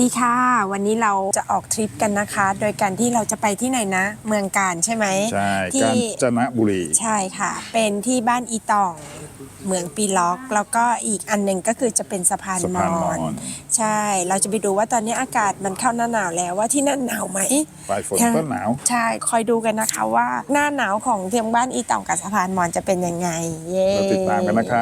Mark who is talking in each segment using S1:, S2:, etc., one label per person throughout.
S1: ดีค่ะวันนี้เราจะออกทริปกันนะคะโดยการที่เราจะไปที่ไหนนะเมืองกาญใช่ไหม
S2: ใช่
S1: ที่
S2: กาญจนบุรี
S1: ใช่ค่ะเป็นที่บ้านอีตองเมืองปีล็อกแล้วก็อีกอันหนึ่งก็คือจะเป็นสะพานมอญใช่เราจะไปดูว่าตอนนี้อากาศมันเข้าหน้าหนาวแล้วว่าที่นั่นหนาวไหม
S2: ปลายฝนต้นหนาว
S1: ใช่คอยดูกันนะคะว่าหน้าหนาวของเทียมบ้านอีตองกับสะพานมอญจะเป็นยังไงเย้
S2: เราติดตามกันนะครับ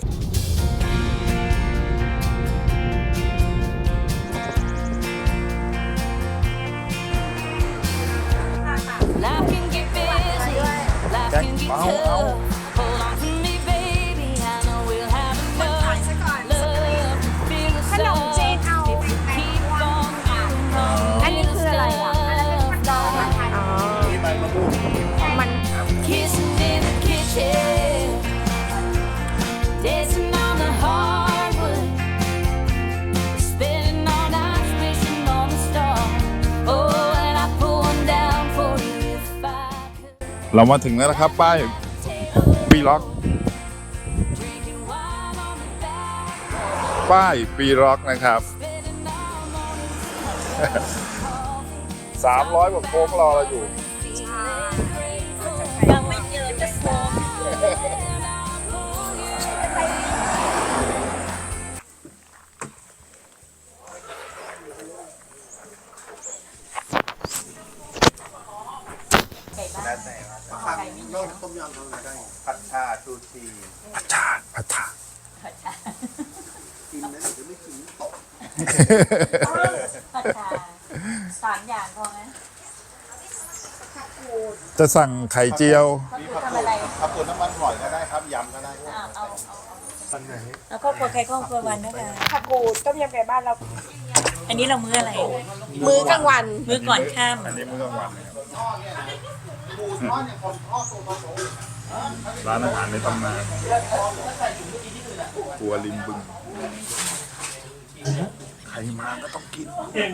S3: Life can get busy, life can get tough. Hold on to me, baby. I know we'll have enough love to feel the sun. If we keep on doing all the little stuff.
S1: มัน
S3: Kissing in the kitchen, dancing on the hardwood, spending all night wishing on the stars. Oh, and I pull one down for you if I could.
S2: เรามาถึงแล้วนะครับป้ายปีล็อกป้ายปีล็อกนะครับ300 กว่าโค้งรอเราอยู่
S3: ยังไม่เจอจะโซม
S4: ผัดชาชูชี
S2: ผัดชา
S4: กินนะเดี๋ยวไม่กินตก
S3: ผัดชา3 อย่างพอไหม
S2: จะสั่งไข่เจียว
S4: มีผักกูดผักกูดน้ำมันหอยก็ได้ครับยำก็ได้
S3: เอา
S4: อันไหน
S3: แล้วครอบครัวใครครอบครัววันนะคะ
S1: ผักกูดต้มยำไก่บ้านเรา
S3: อันนี้เรามื้ออะไร
S1: มื้อกลางวัน
S3: มื้อก่อนค่
S2: อันนี้มื้อกลางวันนะครับร้านอาหารในตำนานครัวริมบึงใครมาก็ต้องกิน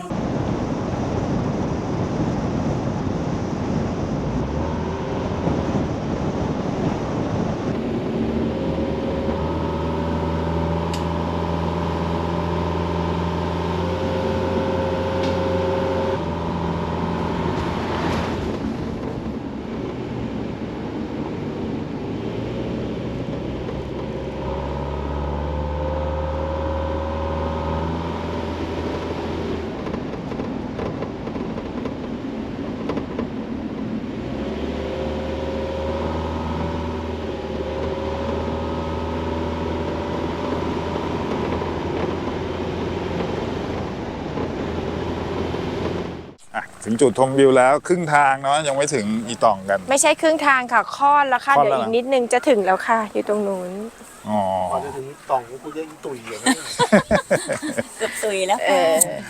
S2: ถึงจุดชมวิวแล้วครึ่งทางเนาะยังไม่ถึงอีตองกัน
S1: ไม่ใช่ครึ่งทางค่ะค่อนแล้วค่ะ
S2: ค่อน
S1: เดี๋ยว
S2: แล้ว
S1: อีกนิดนึงจะถึงแล้วค่ะอยู่ตรงนู้น
S2: อ๋อ
S4: ก่อนจะถึงต่องกูจะตุยอย่างนี้
S3: ำเกือบตุยแล้วค่ะ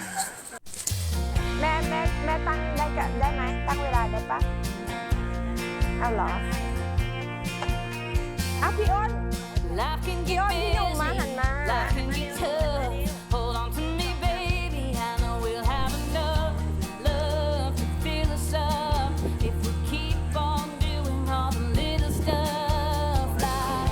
S1: แม่ตั้งได้ไหมตั้งเวลาได้ปะเอาเหรอเอาพี่อ้น
S3: Life can
S1: พี่
S3: get
S1: อ้นพี่หนุ่มมาหัน
S3: busy,
S1: มา
S3: life can get tough. Hold on to me, baby. I know we'll have enough love to feel the sun. If we keep on doing all the little stuff like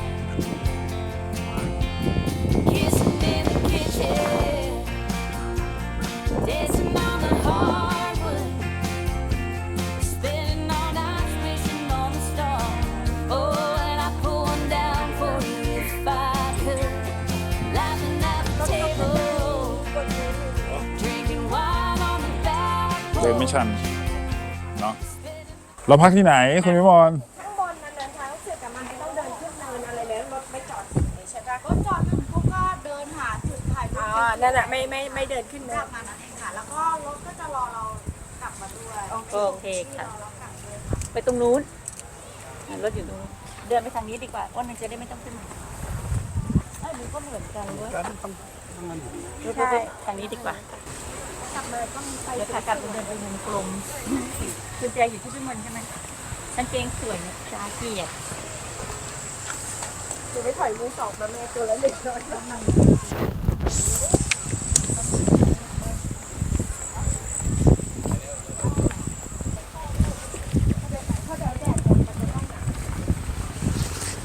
S3: kissing in the kitchen, dancing on the hardwood, spending all night wishing on the stars. Oh, and I pull one down for you if I could. Laughing at the table, drinking wine on the back
S2: เดินไม่
S3: porch.
S2: ชันเนาะเราพักที่ไหนคุณวิมล
S1: ข้างบนนั้นเดินทางเสร็จแต่มันไม่ต้องเดินขึ้นเนินอะไรเลยรถไม่จอดใช่ปะ
S5: รถจอดอยู่เขาก็เดินหาจุดถ่ายรู
S1: อ๋อ
S5: ป
S1: นั่นแหละไม่เดินขึ้นเนิ
S5: กลั
S1: น
S5: บมานั่นเองค่ะ แล้วก็รถก็จะรอเรากลับมาด้วย
S3: โอเคค่ะ
S5: รอเรากลับด้วยค่ะ
S3: ไปตรงนู้นรถอยู่ตรงนู้นเดินไปทางนี้ดีกว่าว่ามันจะได้ไม่ต้องขึ้นมาดูก็เหมือนกันเว้ยใช่ทางนี้ดีกว่าก
S5: ลับมาต้องไป
S3: เดี๋ยวขากลับเดินไปวงกลมคุณแจอยู่ที่พี่มนใช่ไหมกางเกงสวยเนี่ยจ้าเกียรติ
S1: คือไม่ถอยมือสองมาแม่ตัวละ100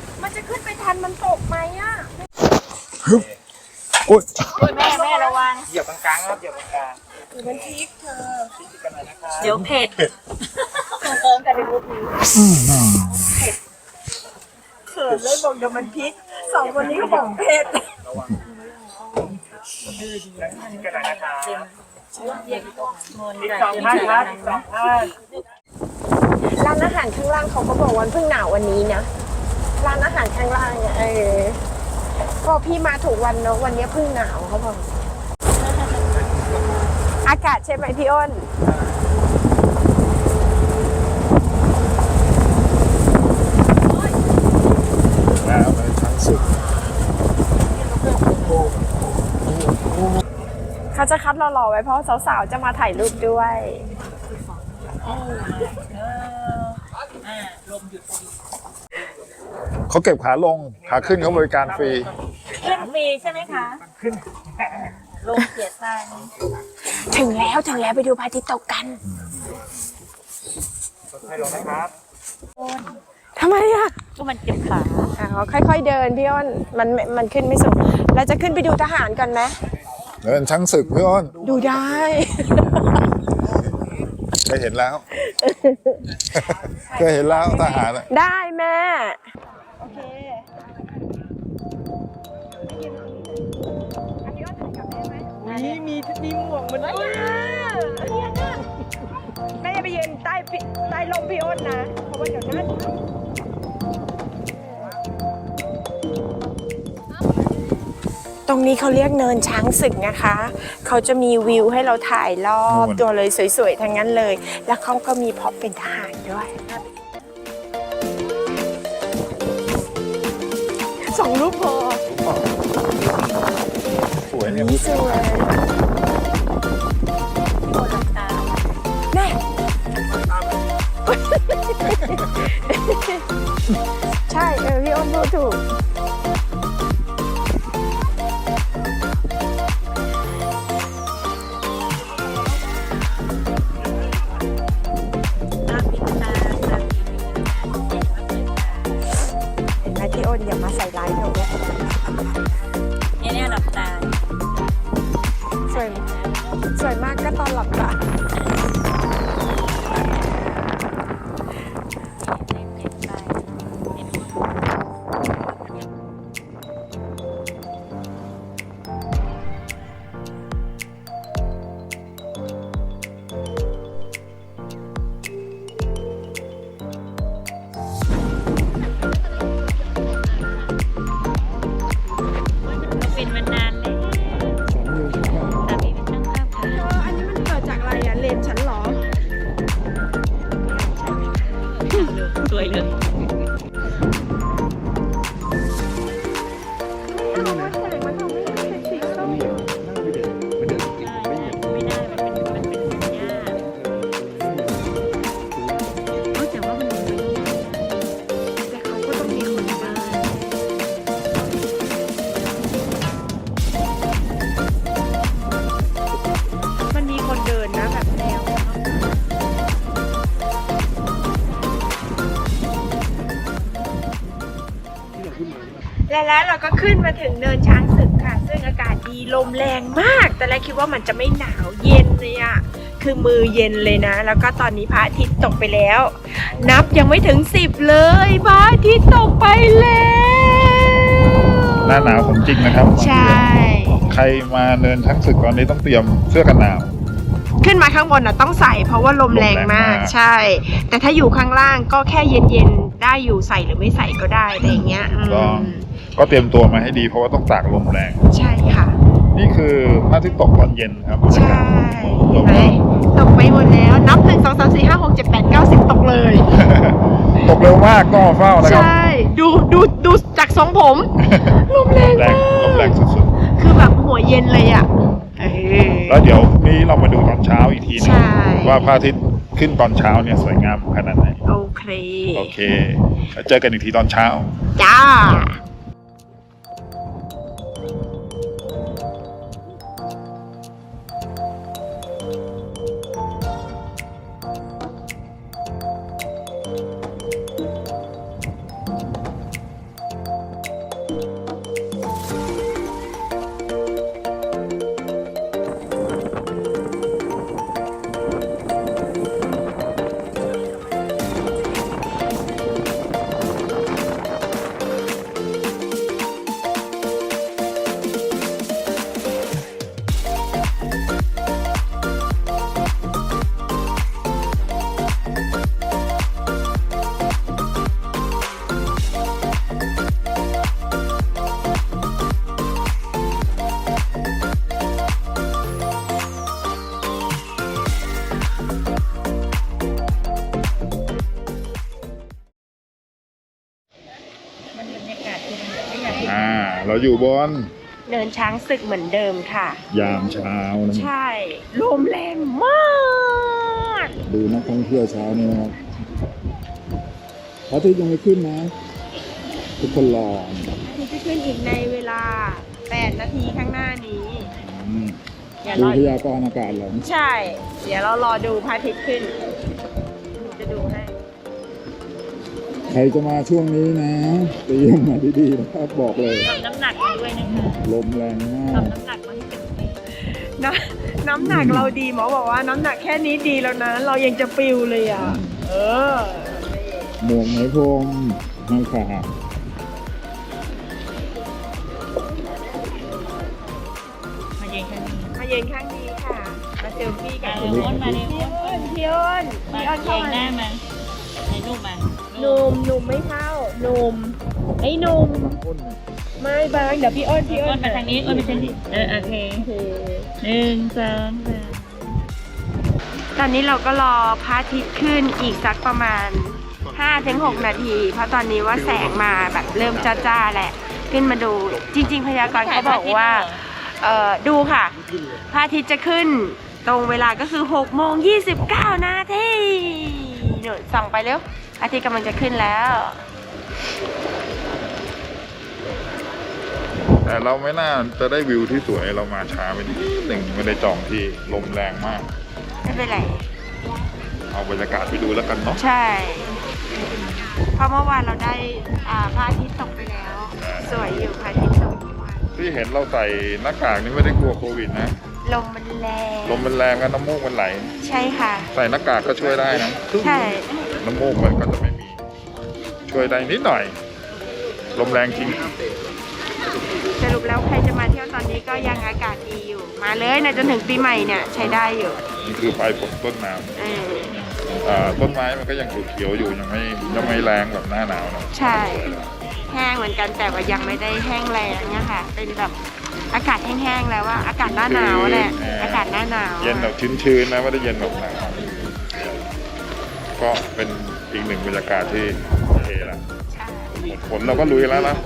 S1: มันตกไหมอ่ะ
S2: โอ๊ย
S3: แม่ระวัง
S4: เหยี
S6: ยียบกลางๆครับเหยียบกลาง
S1: มันพริกเธอ
S6: ๆพลิกกันหน่อยนะครับ
S5: เดี๋ยวเผ็ด
S1: เขินเลยบอกเดี๋ยวมันพริกสองคนนี้ก็บอกเผ็ด
S6: พลิกกันหน่อยนะครับอีก2 ท่านครับอีก2 ท่าน
S1: ร้านอาหารข้างล่างเขาก็บอกวันเพิ่งหนาววันนี้นะร้านอาหารข้างล่างเนี่ยก็พี่มาถูกวันเนาะวันนี้เพิ่งหนาวเขาบอกอากาศใช่ไหมพี่อ้น
S2: แล้วมันทั้งสุด
S1: เขาจะคัดรอๆไว้เพราะสาวๆจะมาถ่ายรูปด้วย
S2: เขาเก็บขาลงขาขึ้นเขาบริการฟรี
S5: ขึ้นฟรีใช่ไหมคะลงเสียตังค์
S1: ถึงแล้วไปดูพระอาทิตย์ตกกัน
S6: ให้ลงนะครับ
S1: ทำไมอ่ะ
S5: ก็มันเจ็บขา
S1: ค่อยๆเดินพี่อ้นมันขึ้นไม่สูงเราจะขึ้นไปดูทหารก่อนไหม
S2: เดินช้างศึกพี่อ้น
S1: ดูได้
S2: เคยเห็นแล้ว เคยเห็นแล้วทหารอะ
S1: ได้แม่โอเคมีหมวกมันด้วยแม่อย่าไปยืนใต้ลมพี่อ้นนะเพราะว่าเดี๋ยวนั้นตรงนี้เขาเรียกเนินช้างศึกนะคะ เขาจะมีวิวให้เราถ่ายรอบตัวเลยสวยๆทั้งนั้นเลย แล้วเขาก็มีพร็อพเป็นทหารด้วย2 รูปพอ
S2: สวยเนี่ย
S1: นี่สวยแน่ใช่พี่อ้นพูดถูกเห็นไหมพี่อ้นอย่ามาใส่ร้ายหนู
S5: เนี่ยหลับตา
S1: สวยมากก็ตอนหลับตา
S5: เป็นมานานแล้วแต่พี่เป็นช่างภาพค่ะ
S1: อันนี้มันเกิดจากอะไรอ่ะเลนฉันเหรอ
S5: สวยเลย
S1: ไม่เอาว่าแสงมันทำให้มันเป็นสีส้ม
S5: ไม่ได้มันเป็นสัญญาแต่ว่ามัน
S1: แต่เขาก็ต้องมีคนบ้านมันมีคนเดินนะแบบแนวแล้วเราก็ขึ้นมาถึงเนินช้างศึกค่ะ ซึ่งอากาศดีลมแรงมาก แต่แรกคิดว่ามันจะไม่หนาวเย็นเลยอะคือมือเย็นเลยนะ แล้วก็ตอนนี้พระอาทิตย์ตกไปแล้ว นับยังไม่ถึง10เลยพระอาทิตย์ตกไปแล้ว
S2: หน้าหนาวของจริงนะครับ
S1: ใช่
S2: ใครมาเนินช้างศึกตอนนี้ต้องเตรียมเสื้อกันหนาว
S1: ขึ้นมาข้างบนน่ะต้องใส่เพราะว่าลมแรงมาก
S2: ลมแรงมาก
S1: ใช่ แต่ถ้าอยู่ข้างล่างก็แค่เย็นๆได้อยู่ใส่หรือไม่ใส่ก็ได้อะไรอย่างเงี้ยอืม
S2: ก็เตรียมตัวมาให้ดีเพราะว่าต้องตากลมแรง
S1: ใช่ค่ะ
S2: นี่คือพระอาทิตย์ตกตอนเย็นครับบรรยา
S1: ใช่
S2: กาศ
S1: เห็นไหมตกไปหมดแล้วนับ1 2 3 4 5 6 7 8 9 10ตกเลย
S2: ตกเร็วมากต้องมาเฝ้านะครับ
S1: ใช่ดูจากทรงผม ลมแรง
S2: แร
S1: มาง
S2: ลมแรง
S1: ก
S2: สุด
S1: คือแบบหัวเย็นเลยอ่ะ
S2: ๆ แล้วเดี๋ยวพรุ่งนี้เรามาดูตอนเช้าอีกทีหนึ
S1: ใช่
S2: งว่าพระอาทิตย์ขึ้นตอนเช้าเนี่ยสวยงามขนาดไหน
S1: โอเค
S2: โอเคแล้วเจอกันอีกทีตอนเช้า
S1: จ้า
S2: เราอยู่บน
S1: เนินช้างศึกเหมือนเดิมค่ะ
S2: ยามเช้านะ
S1: ใช่ลมแรงมาก
S2: ดูนักท่องเที่ยวเช้านี้นะครับพระอาทิตย์ยังไม่ขึ้นนะ ทุกคนรอ
S1: ที่จะขึ้นอีกในเวลา 8 นาทีข้างหน้านี้
S2: อืม
S1: อย่า
S2: ดู
S1: รอ
S2: พยากรณ์อากาศเหรอ
S1: ใช่ เดี๋ยวเรารอดูพระอาทิตย์ขึ้นหนูจะดูให้
S2: ใครจะมาช่วงนี้นะเตรียมมาดีๆนะครับบอกเลย
S5: ทำน้ำหนักมาด้วยนะคะ
S2: ลมแรงมาก
S5: ทำน้ำหนักมาให้เต็มที่
S1: น้ำหนักเราดีหมอบอกว่าน้ำหนักแค่นี้ดีแล้วนะ เรายังจะปิวเลยอ่ะ เออ
S2: หมวกไหมพรมห้ามขาด
S5: มาเย็นแค่นี้
S1: มาเย็นข้างนี้ค่ะ มาเซลฟี่กัน
S5: มาเร็วอ้นมาเร็ว
S1: พี่
S5: อ้น
S1: อ้นพี่อ้น
S5: มา
S1: พี่อ้น
S5: เก่
S1: เข้าง
S5: หน้า
S1: มา
S5: มาในรูปมา
S1: หนุ่มไม่เข้าหนุ่มไอ้หนุ่มไม่บางเดี๋ยวพี่อ้น
S5: อ้นมาทางนี้อ้นไปทางนี้โอเค
S1: โอเค
S5: 1 2 3
S1: ตอนนี้เราก็รอพระอาทิตย์ขึ้นอีกสักประมาณ 5-6 นาที เพราะตอนนี้ว่าแสงมาแบบเริ่มจ้าๆแหละ ขึ้นมาดู จริง ๆ พยากรณ์เขาบอกว่า ดูค่ะ พระอาทิตย์จะขึ้นตรงเวลาก็คือ6:29 นาทีหนูส่องไปเร็วอาทิตย์กำลังจะขึ้นแล้ว
S2: แต่เราไม่น่าจะได้วิวที่สวยเรามาช้าไปนิดหนึ่งไม่ได้จองที่ลมแรงมาก
S1: ไม่เป็นไร
S2: เอาบรรยากาศไปดูแล้วกันเนาะ
S1: ใช่ เพราะเมื่อวานเราได้พระอาทิตย์ตกไปแล้ว สวยอยู่พระอาทิตย์ตกเมื่อวาน
S2: ที่เห็นเราใส่หน้ากากนี่ไม่ได้กลัวโควิดนะ
S1: ลมมันแรง
S2: ลมมันแรงกันน้ำมูกมันไหล
S1: ใช่ค่ะ
S2: ใส่หน้ากากก็ช่วยได้นะ
S1: ใช่
S2: น้ำมูกมันก็จะไม่มี ช่วยได้นิดหน่อย ลมแรงจริง
S1: สรุปแล้วใครจะมาเที่ยวตอนนี้ก็ยังอากาศดีอยู่ มาเลยนะจนถึงปีใหม่เนี่ยใช้ได้อยู่
S2: นี่คือปลายฝนต้นน้
S1: เออ
S2: ำต้นไม้มันก็ยังเขียวๆอยู่ยังไม่แรงแบบหน้าหนาวนะ
S1: ใช่ แห้งเหมือนกันแต่ว่ายังไม่ได้แห้งแรงนะคะเป็นแบบอากาศแห้งๆแล้วว่าอากาศหน้าหนาวแหละอากาศหน้าหนาว
S2: เย็นแบบชื้นๆนะไม่ได้เย็นแบบหนาวก็เป็นอีกหนึ่งบรรยากาศที่โอเคละ
S1: ใช่
S2: หมดฝนเราก็ลุยแล้วนะ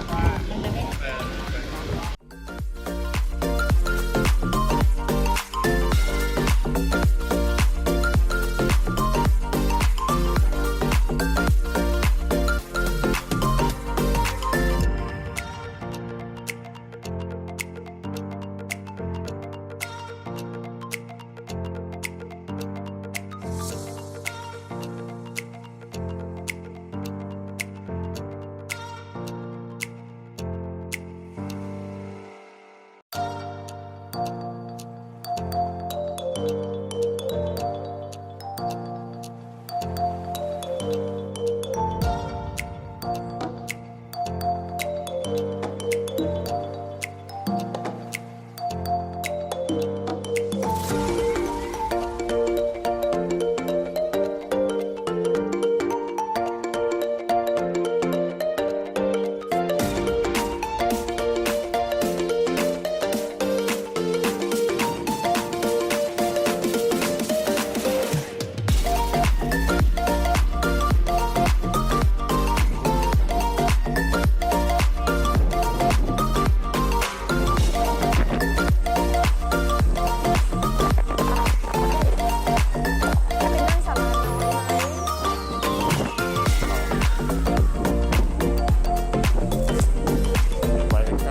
S2: ไปใกล้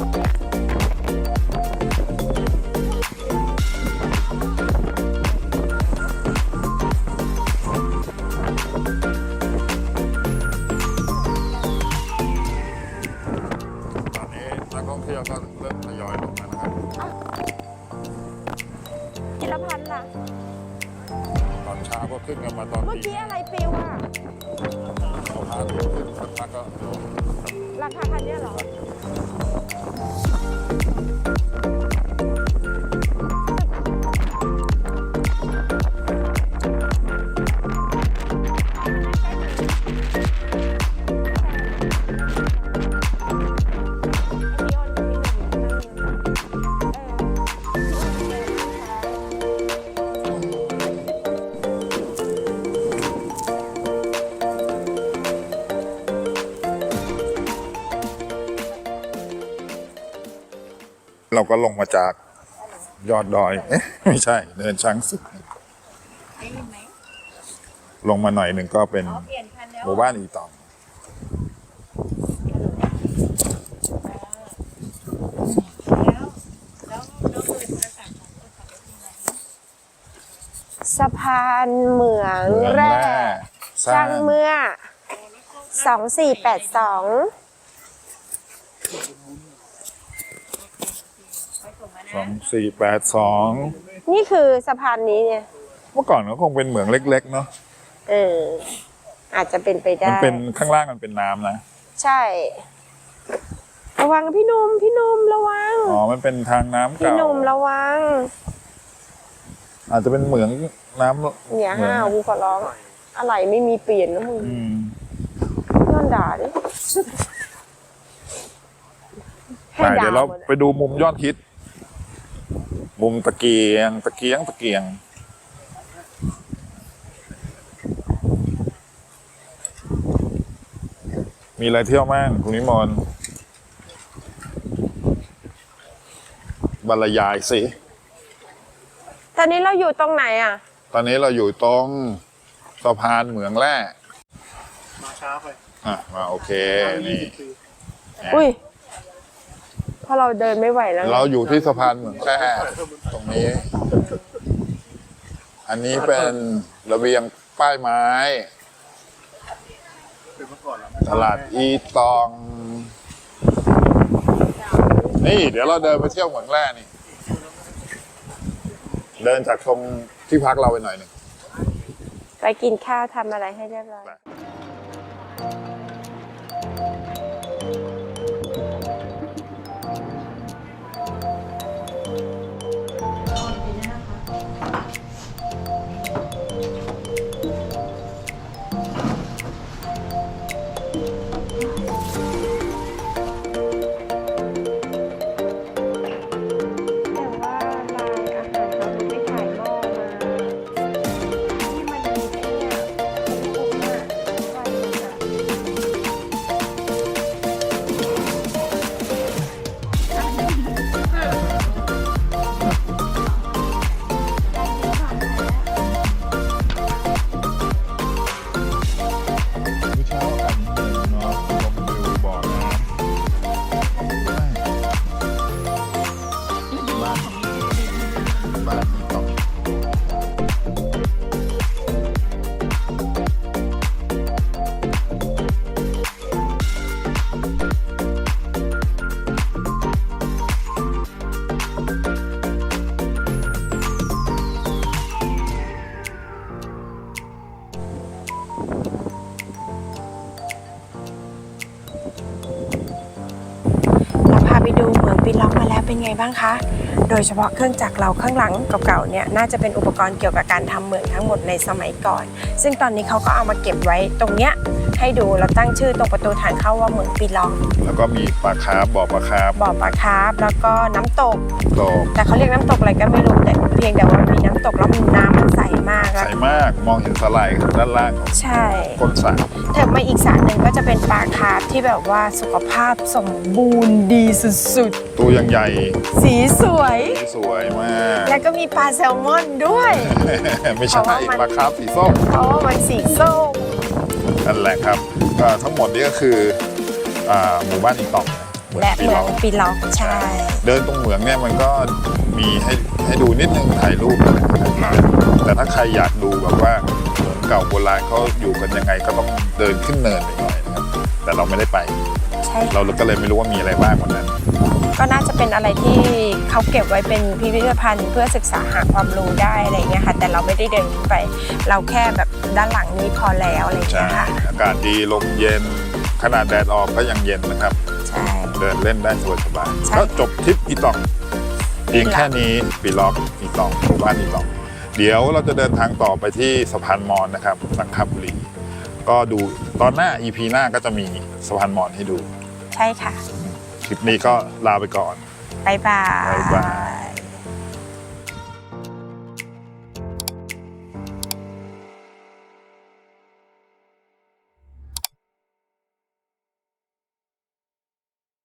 S2: ตอนนี้นักท่องเที่ยวก็เริ่มทยอยลงแล้วนะครับ
S1: กิรพันธ์ล่ะ
S2: ตอนเช้าก็ขึ้นกันมาตอน
S1: เมื่อ
S2: ตี
S1: กี้อะไรปิวอ่ะ
S2: เอาพาขึ้นสักพักก็
S1: ราคาคันเนี้ยเหรอ
S2: เราก็ลงมาจากยอดดอย เอ๊ะไม่ใช่เนินช้างศึกลงมาหน่อยหนึ่งก็เป็นหมู่บ้านอีตอง
S1: สะพานเหมืองแร่สร้างเมื่อ 2482
S2: 2482
S1: นี่คือสะพานนี้เนี่ย
S2: เมื่อก่อนก็คงเป็นเหมืองเล็กๆเนาะ
S1: อาจจะเป็นไปได้
S2: มันเป็นข้างล่างมันเป็นน้ำนะ
S1: ใช่ ระวังพี่หนุ่มระวัง
S2: อ๋อมันเป็นทางน้ำ
S1: พี่
S2: เก่า
S1: หนุ่มระวัง
S2: อาจจะเป็นเหมืองน้ำ
S1: อย่าห้าวกูขอร้อง อะไรไม่มีเปลี่ยนนะมึงย้อนด่าดิ
S2: ไปเดี๋ยวเราไปดูมุมยอดฮิต มุมตะเกียง มีอะไรเที่ยวมั่งคุณนิมนต์บรรยายสิ
S1: ตอนนี้เราอยู่ตรงไหนอ่ะ
S2: ตอนนี้เราอยู่ตรงสะพานเหมืองแร่
S6: มาช้าไป
S2: มาโอเค นี่
S1: อุ้ยเพราะเราเดินไม่ไหวแล้ว
S2: เราอยู่ที่สะพานเหมืองแร่ตรงนี้ อันนี้เป็นระเบียงป้ายไม้
S6: เป็นเมื่อก่อนแล้ว
S2: ตลาดอีตอง นี่เดี๋ยวเราเดินไปเที่ยวเหมืองแร่นี่ เดินจากตรงที่พักเราไปหน่อยหนึ่ง
S1: ไปกินข้าวทำอะไรให้เรียบร้อย แต่ว่าลายอาหารเขาไม่ขายหม้อมาที่มันมีไอ้เนี่ยคุ้มๆอ่ะไฟมันอ่ะ
S2: มื้อเช้าอากาศเย็นเนาะลมวิวบ่อน้ำบ้านอีตอง
S1: เราพาไปดูเหมืองปีล็อกมาแล้วเป็นไงบ้างคะ โดยเฉพาะเครื่องจักรเราข้างหลังเก่าๆเนี่ยน่าจะเป็นอุปกรณ์เกี่ยวกับการทำเหมืองทั้งหมดในสมัยก่อน ซึ่งตอนนี้เขาก็เอามาเก็บไว้ตรงเนี้ยให้ดูเราตั้งชื่อตรงประตูทางเข้าว่าเหมืองปีล็อก
S2: แล้วก็มีปลาคาร์ฟบ่อปลาคาร์ฟ
S1: บ่อปลาคาร์ฟแล้วก็น้ำตก
S2: ตก
S1: แต่เขาเรียกน้ำตกอะไรก็ไม่รู้แต่เพียงแต่ว่ามีน้ำตกแล้วน้ำมันใสมากแล้ว
S2: ใสมากมองเห็นสไลด์ด้านล่างของ
S1: ใช่
S2: ก้นสระ
S1: เถิดมาอีกสระหนึ่งก็จะเป็นปลาคาร์ฟที่แบบว่าสุขภาพสมบูรณ์ดีสุด
S2: ตัวยังใหญ่
S1: ๆ สีสวย
S2: สวยมาก
S1: แล้วก็มีปลาแซลมอนด้วย
S2: ไม่ใช่ปลาคาร์ฟสีส้ม
S1: เพราะว่ามันสีส้ม
S2: นั่นแหละครับก็ทั้งหมดนี้ก็คือหมู่บ้านอีตอง
S1: และเหมืองปีล็อกใช่
S2: เดินตรงเหมืองเนี่ยมันก็มีให้ดูนิดนึงถ่ายรูปนะครับแต่ถ้าใครอยากดูแบบว่าเหมืองเก่าโบราณเขาอยู่กันยังไงก็ต้องเดินขึ้นเนินไปหน่อยนะครับแต่เราไม่ได้ไป
S1: ใช่
S2: เราก็เลยไม่รู้ว่ามีอะไรบ้างวันนั้น
S1: ก็น่าจะเป็นอะไรที่เขาเก็บไว้เป็นพิพิธภัณฑ์เพื่อศึกษาหาความรู้ได้อะไรเงี้ยค่ะแต่เราไม่ได้เดินขึ้นไป เราแค่แบบด้านหลังนี้พอแล้วอะไร
S2: ใช่
S1: เงี้ยค่ะ
S2: อากาศดีลมเย็นขนาดแดดออกก็ยังเย็นนะครับ
S1: ใช่
S2: เดินเล่นได้สบาย
S1: ใช่
S2: ๆก็จบทริปอีตองเพียงแค่นี้ปีล็อกอีตองหมู่บ้านอีตอง เดี๋ยวเราจะเดินทางต่อไปที่สะพานมอญนะครับสังขบุรีก็ดูตอนหน้า EP หน้าก็จะมีสะพานมอญให้ดู
S1: ใช่ค่ะ
S2: คลิปนี้ก็ลาไปก่อน
S1: บ๊ายบา
S2: บ๊าย
S1: ย
S2: บาย